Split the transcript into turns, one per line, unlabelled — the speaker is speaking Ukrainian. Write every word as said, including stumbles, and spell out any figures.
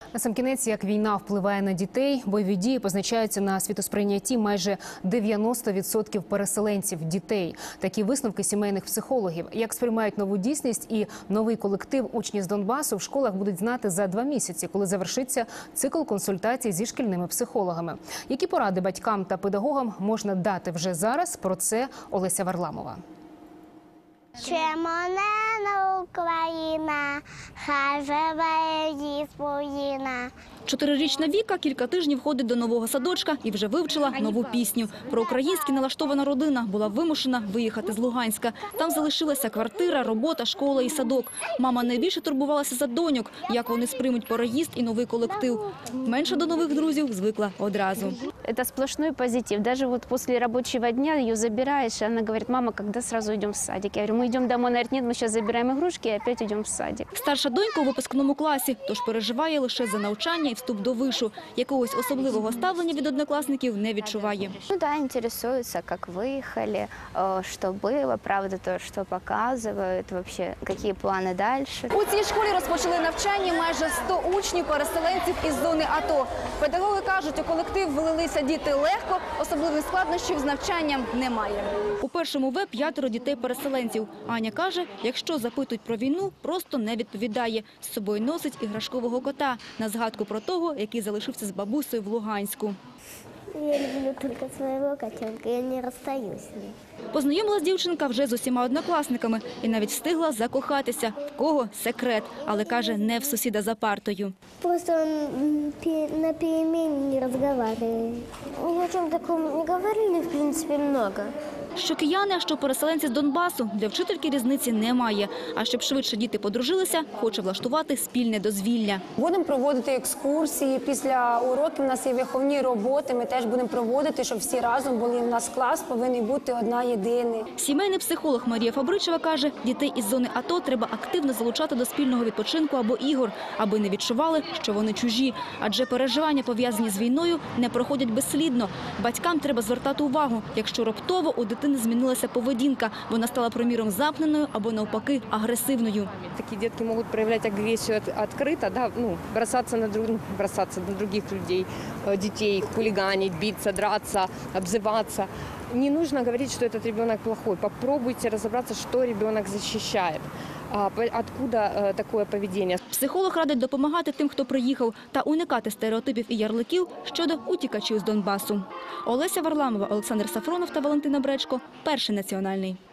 Насамкінець, як війна впливає на дітей, бойові дії позначаються на світосприйнятті майже дев'яносто відсотків переселенців – дітей. Такі висновки сімейних психологів. Як сприймають нову дійсність і новий колектив учні з Донбасу в школах будуть знати за два місяці, коли завершиться цикл консультацій зі шкільними психологами. Які поради батькам та педагогам можна дати вже зараз? Про це Олеся Варламова.
Червона Україна, хай живе її спокійно.
Чотирирічна Віка кілька тижнів ходить до нового садочка і вже вивчила нову пісню. Проукраїнськи налаштована родина була вимушена виїхати з Луганська. Там залишилася квартира, робота, школа і садок. Мама найбільше турбувалася за доньок, як вони сприймуть переїзд і новий колектив. Менше до нових друзів звикла одразу.
Это сплошной позитив. Даже вот после рабочего дня ее забираешь, и она говорит: мама, когда сразу идем в садик? Я говорю: мы идем домой. Она говорит: нет, мы сейчас забираем игрушки и опять идем в садик.
Старша донька у випускному класі, тож переживає лише за навчання і вступ до вишу. Якогось особливого ставлення від однокласників не відчуває.
Ну да, интересуется, как выехали, что было, правда, то, что показывают, вообще, какие планы дальше.
У цій школі розпочали навчання майже сто учнів-переселенців із зони АТО. Педагоги кажуть, у колектив влилися діти легко, особливих складнощів з навчанням немає.
У першому В п'ятеро дітей-переселенців. Аня каже, якщо запитують про війну, просто не відповідає. З собою носить іграшкового кота на згадку про того, який залишився з бабусею в Луганську.
Я люблю тільки свого котенка, я не розстаюсь з ним.
Познайомилась дівчинка вже з усіма однокласниками і навіть встигла закохатися. В кого – секрет, але каже, не в сусіда за партою.
Просто він на переміні не розмовляє. Ні о чому такому не говорили, в принципі, багато.
Що кияни, а що переселенці з Донбасу, для вчительки різниці немає. А щоб швидше діти подружилися, хоче влаштувати спільне дозвілля.
Будемо проводити екскурсії, після уроків у нас є виховні роботи, ми теж будемо проводити, щоб всі разом були. У нас клас повинен бути одна єдиний.
Сімейний психолог Марія Фабричева каже, дітей із зони АТО треба активно залучати до спільного відпочинку або ігор, аби не відчували, що вони чужі. Адже переживання, пов'язані з війною, не проходять безслідно. Батькам треба звертати увагу, якщо раптово у дитини змінилася поведінка, вона стала, приміром, замкненою або, навпаки, агресивною.
Такі дітки можуть проявляти агресію відкрито, да, ну, бросатися на, друг, бросатися на других людей, дітей, хулиганить, битися, драться, обзиватися. Не нужно говорить, что этот ребенок плохой. Попробуйте разобраться, что ребенок защищает. Откуда такое поведение?
Психолог радить допомагати тим, хто приїхав, та уникати стереотипів і ярликів щодо утікачів з Донбасу. Олеся Варламова, Олександр Сафронов та Валентина Бречко. Перший національний.